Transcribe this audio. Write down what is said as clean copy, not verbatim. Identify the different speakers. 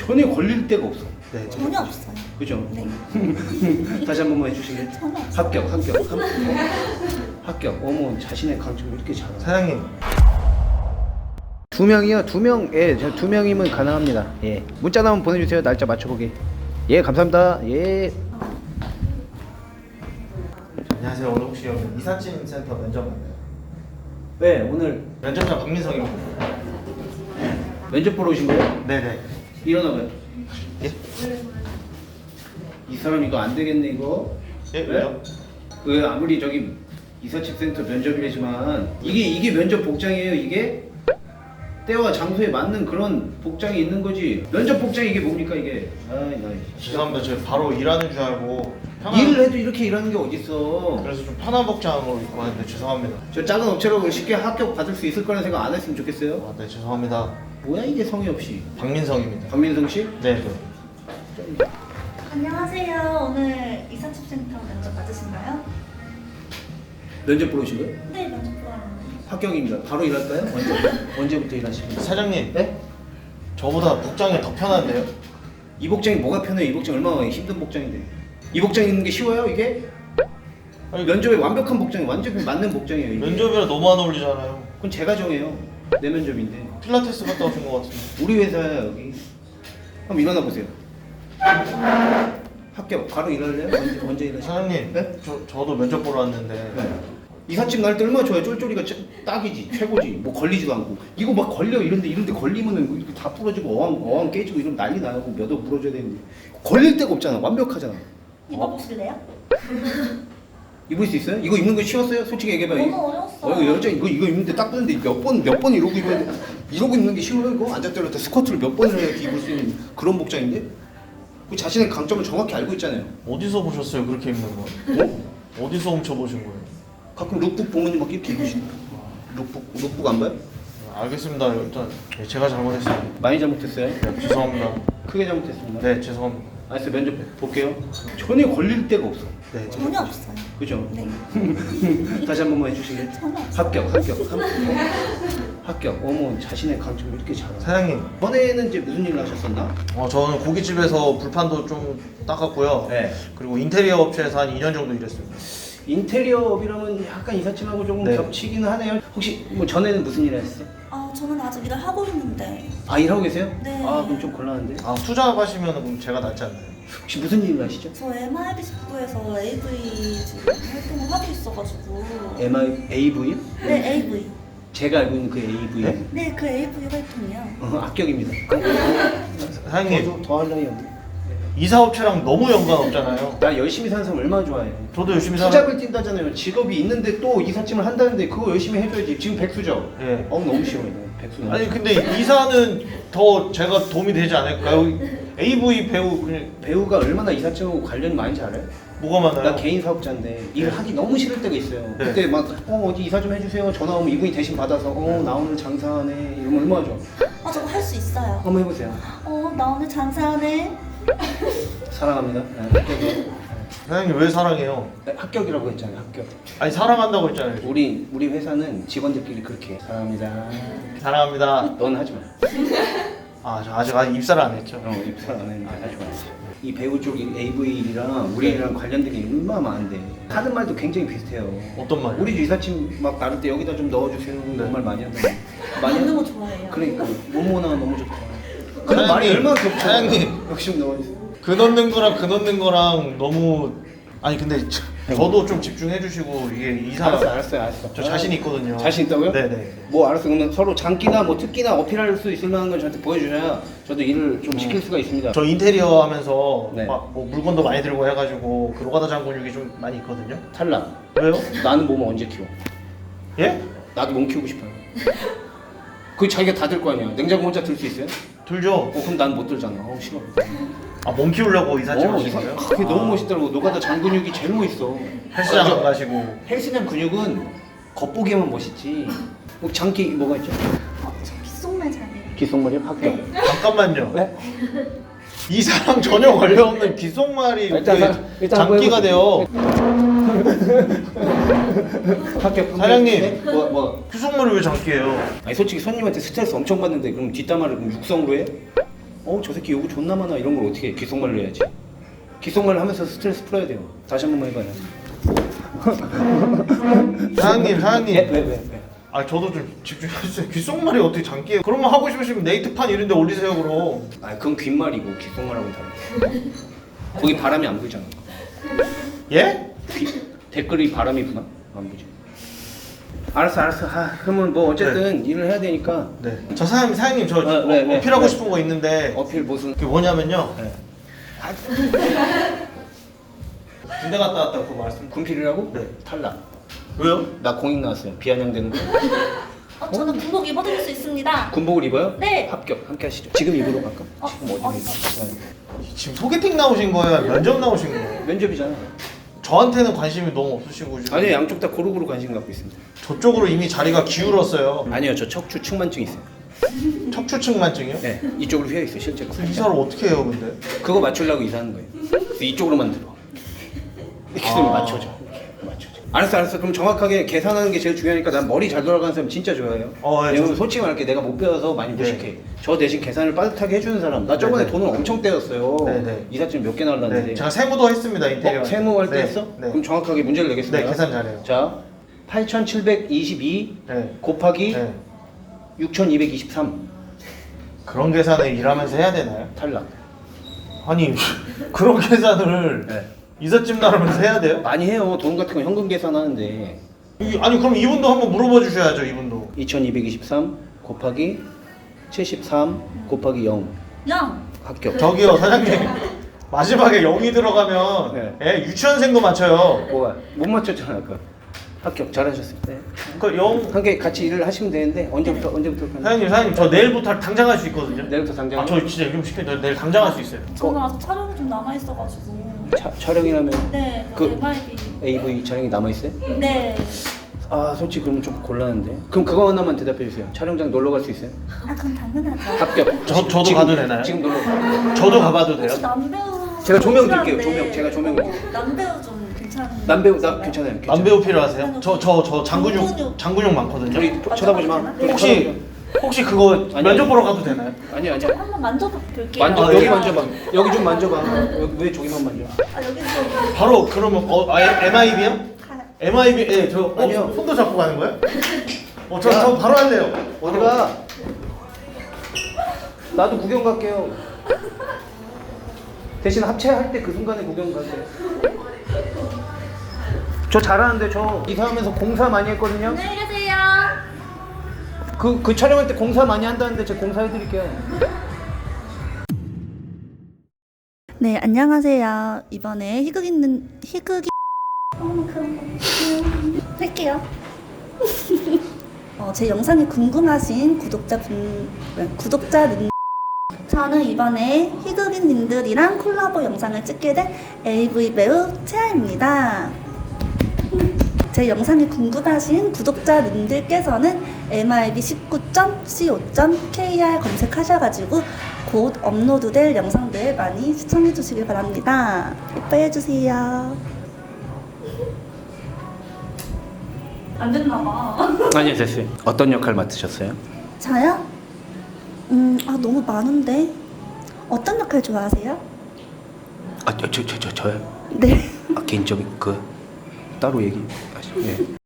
Speaker 1: 전혀 걸릴 데가 없어.
Speaker 2: 네,
Speaker 3: 전혀 없어요.
Speaker 1: 그죠?
Speaker 3: 네.
Speaker 1: 다시 한 번만 해주실래요?
Speaker 3: 전혀 없어요.
Speaker 1: 합격. 어머, 자신의 강점을 이렇게 잘하.
Speaker 2: 사장님.
Speaker 1: 두 명이요? 두 명? 예, 저 두 명이면 가능합니다. 예. 문자나 한번 보내주세요. 날짜 맞춰보기. 예, 감사합니다. 예.
Speaker 2: 안녕하세요. 오늘 혹시 여기 이삿짐 센터 면접 맞나요?
Speaker 1: 네, 오늘
Speaker 2: 면접장 박민성입니다.
Speaker 1: 면접 보러 오신 거예요?
Speaker 2: 네네.
Speaker 1: 일어나봐요.
Speaker 2: 예?
Speaker 1: 이 사람 이거 안 되겠네 이거.
Speaker 2: 예? 왜요?
Speaker 1: 그 아무리 저기 이삿짐 센터 면접이지만 이게 면접 복장이에요. 이게 때와 장소에 맞는 그런 복장이 있는 거지. 면접 복장이 이게 뭡니까 이게? 아이 나
Speaker 2: 죄송합니다. 저 바로 일하는 줄 알고
Speaker 1: 일을 해도 이렇게 일하는 게 어딨어.
Speaker 2: 그래서 좀 편한 복장으로 입고 왔는데 죄송합니다.
Speaker 1: 저 작은 업체로 쉽게 합격 받을 수 있을 거라는 생각 안 했으면 좋겠어요.
Speaker 2: 아, 네 죄송합니다.
Speaker 1: 뭐야 이게 성의 없이.
Speaker 2: 박민성입니다.
Speaker 1: 박민성 씨?
Speaker 2: 네.
Speaker 3: 안녕하세요. 오늘 이삿짐센터 면접 맞으신가요?
Speaker 1: 면접 보러 오신 거예요?
Speaker 3: 네, 면접 보러 왔는데.
Speaker 1: 합격입니다. 바로 일할까요? 언제부터 일하시는 거예요?
Speaker 2: 사장님.
Speaker 1: 네?
Speaker 2: 저보다 복장이 더 편한데요?
Speaker 1: 이 복장이 뭐가 편해요? 이 복장 얼마나 힘든 복장인데. 이 복장 입는 게 쉬워요 이게?
Speaker 2: 아니,
Speaker 1: 면접에 완벽한 복장이 완전히 맞는 복장이에요 이게.
Speaker 2: 면접이랑 너무 안 어울리잖아요.
Speaker 1: 그건 제가 정해요. 내 면접인데.
Speaker 2: 필라테스 갔다 오신 것 같은데.
Speaker 1: 우리 회사야 여기. 한번 일어나 보세요. 합격. 바로 일할래요? 언제 일하시나요?
Speaker 2: 사장님.
Speaker 1: 네?
Speaker 2: 저도 면접 보러 왔는데.
Speaker 1: 네. 이삿짐 날 때 얼마나 좋아요. 쫄쫄이가 딱이지. 최고지. 뭐 걸리지도 않고. 이거 막 걸려 이런데 걸리면은 이렇게 다 부러지고 어항 깨지고 이러면 난리 나고 몇 억 부러져야 되는데 걸릴 데가 없잖아. 완벽하잖아.
Speaker 3: 입어보실래요?
Speaker 1: 입을 수 있어요? 이거 입는 거 쉬웠어요? 솔직히 얘기해봐.
Speaker 3: 너무 어려웠어요.
Speaker 1: 여자 이거 입는데 딱 뜨는데 몇 번 이러고 입는 게 쉬워요 이거? 앉았다 스쿼트를 몇 번을 해야 입을 수 있는 그런 복장인데? 그 자신의 강점을 정확히 알고 있잖아요.
Speaker 2: 어디서 보셨어요 그렇게 입는 거?
Speaker 1: 어?
Speaker 2: 어디서 훔쳐보신 거예요?
Speaker 1: 가끔 룩북 보면 막 이렇게 입으시는 룩북 안 봐요?
Speaker 2: 알겠습니다. 일단 네, 제가 잘못했어요.
Speaker 1: 많이 잘못했어요?
Speaker 2: 네, 죄송합니다.
Speaker 1: 크게 잘못했습니다.
Speaker 2: 네 죄송합니다.
Speaker 1: 알았어요. 면접 볼게요. 전혀 걸릴 데가 없어.
Speaker 2: 네.
Speaker 3: 전혀 없어요.
Speaker 1: 그죠?
Speaker 3: 네.
Speaker 1: 다시 한 번만 해주실래요?
Speaker 3: 전혀 없어요.
Speaker 1: 합격. 어머, 자신의 강점을 이렇게 잘하.
Speaker 2: 사장님.
Speaker 1: 전에는 이제 무슨 일을 하셨었나?
Speaker 2: 저는 고깃집에서 불판도 좀 닦았고요.
Speaker 1: 네.
Speaker 2: 그리고 인테리어 업체에서 한 2년 정도 일했습니다.
Speaker 1: 인테리어업이라면 약간 이삿짐하고 조금
Speaker 2: 네.
Speaker 1: 겹치기는 하네요. 혹시 뭐 전에는 무슨 일을 했어요?
Speaker 3: 저는 아직 일을 하고 있는데.
Speaker 1: 아, 일하고 계세요?
Speaker 3: 네.
Speaker 1: 아, 그럼 좀 곤란한데.
Speaker 2: 투잡하시면 그럼 제가 낫지 않나요?
Speaker 1: 혹시 무슨 일을 하시죠?
Speaker 3: 저 MIB 직구에서 AV 지금 활동을 하고 있어가지고.
Speaker 1: AV?
Speaker 3: 네, AV.
Speaker 1: 제가 알고 있는 그 AV.
Speaker 2: 네?
Speaker 3: 네, 그 AV 활동이요.
Speaker 1: 합격입니다.
Speaker 2: 사장님.
Speaker 1: 더 할 나위 없네.
Speaker 2: 이사업체랑 너무 연관 없잖아요.
Speaker 1: 나 열심히 사는 사람 얼마나 좋아해.
Speaker 2: 저도 열심히 살아.
Speaker 1: 투잡을 뛴다잖아요. 직업이 있는데 또 이삿짐을 한다는데 그거 열심히 해줘야지. 지금 백수죠?
Speaker 2: 예.
Speaker 1: 너무 쉬워요. 백수 너무
Speaker 2: 아니 근데 이사는 더 제가 도움이 되지 않을까요? AV 배우 그냥
Speaker 1: 배우가 얼마나 이삿짐하고 관련이 많은지 알아요?
Speaker 2: 뭐가 많아요?
Speaker 1: 나 개인 사업자인데 일을 하기 너무 싫을 때가 있어요.
Speaker 2: 네.
Speaker 1: 그때 막 어디 이사 좀 해주세요. 전화 오면 이분이 대신 받아서 나 오늘 장사하네 이러면 얼마나 좋아.
Speaker 3: 저거 할 수 있어요.
Speaker 1: 한번 해보세요.
Speaker 3: 나 오늘 장사하네.
Speaker 1: 사랑합니다. 네, 합격이에요.
Speaker 2: 사장님 왜 사랑해요?
Speaker 1: 네, 합격이라고 했잖아요. 합격.
Speaker 2: 아니 사랑한다고 했잖아요.
Speaker 1: 우리 회사는 직원들끼리 그렇게 해. 사랑합니다.
Speaker 2: 사랑합니다.
Speaker 1: 넌 하지 마.
Speaker 2: 저 아직 입사를 안 했죠.
Speaker 1: 입사 안 했는데 하지 마. 이 배우 쪽 AV랑 우리랑 관련된 게 얼마나 많은데 하는 말도 굉장히 비슷해요.
Speaker 2: 어떤 말이요?
Speaker 1: 우리도 이삿짐 막 나를 때 여기다 좀 넣어주세요. 그런 말 많이 한다.
Speaker 3: 먹는 거 좋아해요.
Speaker 1: 그러니까 뭐뭐나 너무 좋다. 그런 말이
Speaker 2: 사장님,
Speaker 1: 얼마나 겹쳐.
Speaker 2: 사장님.
Speaker 1: 욕심 넣어주세요.
Speaker 2: 그 넣는 거랑 너무 아니 근데 저도 좀 집중해 주시고 이게 이사
Speaker 1: 알았어요.
Speaker 2: 저 자신 있거든요.
Speaker 1: 자신 있다고요?
Speaker 2: 네네.
Speaker 1: 뭐 알았어. 그러면 서로 장기나 뭐 특기나 어필할 수 있을 만한 걸 저한테 보여주셔야 저도 일을 좀 시킬 수가 있습니다.
Speaker 2: 저 인테리어 하면서
Speaker 1: 네.
Speaker 2: 막 뭐 물건도 많이 들고 해가지고 그 노가다 장근육이 좀 많이 있거든요.
Speaker 1: 탈락.
Speaker 2: 왜요?
Speaker 1: 나는 몸을 언제 키워?
Speaker 2: 예?
Speaker 1: 나도 몸 키우고 싶어요. 그 자기가 다 들 거 아니야. 냉장고 혼자 들 수 있어요?
Speaker 2: 들죠.
Speaker 1: 그럼 난 못 들잖아. 싫어.
Speaker 2: 몸 키우려고 이삿짐 하시는 거예요?
Speaker 1: 그게 너무 멋있더라고. 노가다 장근육이 제일 멋있어.
Speaker 2: 헬스장 안 가시고
Speaker 1: 헬스장 근육은 겉보기에만 멋있지. 뭐 장기 뭐가 있죠?
Speaker 3: 저 귓속말 잘해요.
Speaker 1: 귓속말이 합격.
Speaker 3: 네.
Speaker 2: 잠깐만요.
Speaker 1: 네?
Speaker 2: 이사랑 전혀 관련없는 귓속말이
Speaker 1: 일단
Speaker 2: 장기가 돼요.
Speaker 1: 합격.
Speaker 2: 사장님.
Speaker 1: 네? 뭐?
Speaker 2: 귓속말이 왜 장기예요?
Speaker 1: 아니 솔직히 손님한테 스트레스 엄청 받는데 그럼 뒷담화를 그럼 육성으로 해? 저 새끼 요거 존나 많아 이런 걸 어떻게 해? 귓속말로 해야지. 귓속말로 하면서 스트레스 풀어야 돼요. 다시 한 번만 해봐요.
Speaker 2: 사장님.
Speaker 1: 왜?
Speaker 2: 아 저도 좀 집중해주세요. 귓속말이 어떻게 장기예요? 그런 거 하고 싶으시면 네이트판 이런 데 올리세요 그럼.
Speaker 1: 그건 귓말이고 귓속말하고 다르. 거기 바람이 안 불잖아.
Speaker 2: 예?
Speaker 1: 댓글이 바람이 부나? 안 부지. 알았어. 그러면 뭐 어쨌든 일을 해야 되니까.
Speaker 2: 네. 저 사장님 저
Speaker 1: 왜?
Speaker 2: 어필하고 싶은 거 있는데
Speaker 1: 어필 무슨?
Speaker 2: 그게 뭐냐면요.
Speaker 1: 네.
Speaker 2: 군대 갔다 왔다고 그거 말씀.
Speaker 1: 군필이라고?
Speaker 2: 네.
Speaker 1: 탈락.
Speaker 2: 왜요?
Speaker 1: 나 공익 나왔어요. 비아냥되는 거.
Speaker 3: 저는 군복 입어드릴 수 있습니다.
Speaker 1: 군복을 입어요?
Speaker 3: 네.
Speaker 1: 합격. 함께 하시죠. 지금 입으러 갈까? 지금 어디?
Speaker 2: 지금 소개팅 나오신 거예요? 면접 나오신 거예요?
Speaker 1: 면접이잖아.
Speaker 2: 저한테는 관심이 너무 없으시고 지금
Speaker 1: 아니요, 양쪽 다 고루고루 관심 갖고 있습니다.
Speaker 2: 저쪽으로 이미 자리가 기울었어요.
Speaker 1: 아니요, 저 척추 측만증 있어요.
Speaker 2: 척추측만증이요?
Speaker 1: 네, 이쪽으로 휘어 있어요, 실제로.
Speaker 2: 이사를 어떻게 해요 근데?
Speaker 1: 그거 맞추려고 이사하는 거예요. 그래서 이쪽으로만 들어. 이렇게 되면 맞춰져. 알았어. 그럼 정확하게 계산하는 게 제일 중요하니까 난 머리 잘 돌아가는 사람 진짜 좋아해요.
Speaker 2: 네,
Speaker 1: 왜냐면 솔직히 말할게 내가 못 배워서 많이 무식해. 저 대신 계산을 빠듯하게 해주는 사람. 나 저번에
Speaker 2: 네.
Speaker 1: 돈을 엄청 떼었어요.
Speaker 2: 네.
Speaker 1: 이삿짐 몇 개 날랐는데.
Speaker 2: 네. 제가 세무도 했습니다 인테리어.
Speaker 1: 세무할 때
Speaker 2: 네.
Speaker 1: 했어?
Speaker 2: 네.
Speaker 1: 그럼 정확하게 문제를 내겠습니다.
Speaker 2: 네 계산 잘해요.
Speaker 1: 자, 8,722
Speaker 2: 네.
Speaker 1: 곱하기
Speaker 2: 네.
Speaker 1: 6,223
Speaker 2: 그런 계산을 일하면서 해야 되나요?
Speaker 1: 탈락.
Speaker 2: 아니 그런 계산을
Speaker 1: 네.
Speaker 2: 이삿짐 나르면서 해야 돼요?
Speaker 1: 많이 해요. 돈 같은 거 현금 계산하는데.
Speaker 2: 아니 그럼 이분도 한번 물어봐 주셔야죠 이분도.
Speaker 1: 2,223 곱하기 73 곱하기 0
Speaker 3: 야,
Speaker 1: 합격.
Speaker 2: 저기요 사장님 마지막에 0이 들어가면
Speaker 1: 네.
Speaker 2: 예, 유치원생도 맞춰요.
Speaker 1: 뭐가 못 맞췄잖아 아까. 합격 잘하셨어요. 네.
Speaker 2: 그 0.
Speaker 1: 함께 같이 일을 하시면 되는데 언제부터 할까요?
Speaker 2: 사장님 저 내일부터 당장 할 수 있거든요.
Speaker 1: 내일부터 당장.
Speaker 2: 아 저 진짜 일 좀 시켜요. 내일 당장 할 수 있어요.
Speaker 3: 저는 아직 촬영이 좀 남아있어가지고.
Speaker 1: 촬영이라면
Speaker 3: 네,
Speaker 1: 그
Speaker 3: MIB.
Speaker 1: AV 촬영이 남아 있어요?
Speaker 3: 네.
Speaker 1: 솔직히 그러면 좀 곤란한데. 그럼 그거 하나만 대답해 주세요. 촬영장 놀러 갈 수 있어요?
Speaker 3: 그럼 당연하죠.
Speaker 1: 합격.
Speaker 2: 저도
Speaker 1: 지금,
Speaker 2: 가도 되나요?
Speaker 1: 지금 놀러.
Speaker 2: 저도 가봐도 돼요?
Speaker 3: 혹시 남배우.
Speaker 1: 제가 조명 드릴게요,
Speaker 3: 필요한데,
Speaker 1: 조명. 제가 조명을 드릴게요.
Speaker 3: 남배우 좀 괜찮은.
Speaker 1: 남배우 나 괜찮아요.
Speaker 2: 남배우 필요하세요? 저 장근육 많거든요.
Speaker 1: 우리 쳐다보지 마.
Speaker 3: 네.
Speaker 2: 혹시 그거
Speaker 1: 아니,
Speaker 2: 면접 보러 가도 되나요?
Speaker 1: 아니야.
Speaker 3: 한번 만져볼게요.
Speaker 1: 여기
Speaker 2: 네.
Speaker 1: 만져봐. 여기 좀 만져봐. 왜 저기만 만져?
Speaker 3: 여기 좀.
Speaker 2: 바로 그러면 MIB요? MIB 저
Speaker 1: 아니요.
Speaker 2: 손도 잡고 가는 거예요? 저 바로 할래요.
Speaker 1: 어디 가? 나도 구경 갈게요. 대신 합체할 때 그 순간에 구경 갈게요. 저 잘하는데 저 이사하면서 공사 많이 했거든요.
Speaker 3: 안녕히 계세요.
Speaker 1: 그 촬영할 때 공사 많이 한다는데 제가 공사해드릴게요.
Speaker 3: 네, 안녕하세요. 이번에 희극이 할게요. 제 영상이 궁금하신 구독자님, 저는 이번에 희극인님들이랑 콜라보 영상을 찍게 된 AV 배우 채아입니다. 제 영상이 궁금하신 구독자님들께서는 mib19.co.kr 검색하셔가지고 곧 업로드될 영상들 많이 시청해주시길 바랍니다. 예뻐해주세요. 안 됐나봐.
Speaker 1: 아니요, 됐어요. 어떤 역할 맡으셨어요?
Speaker 3: 저요? 너무 많은데 어떤 역할 좋아하세요?
Speaker 1: 저요?
Speaker 3: 네.
Speaker 1: 개인적인 따로 얘기하시죠. 예.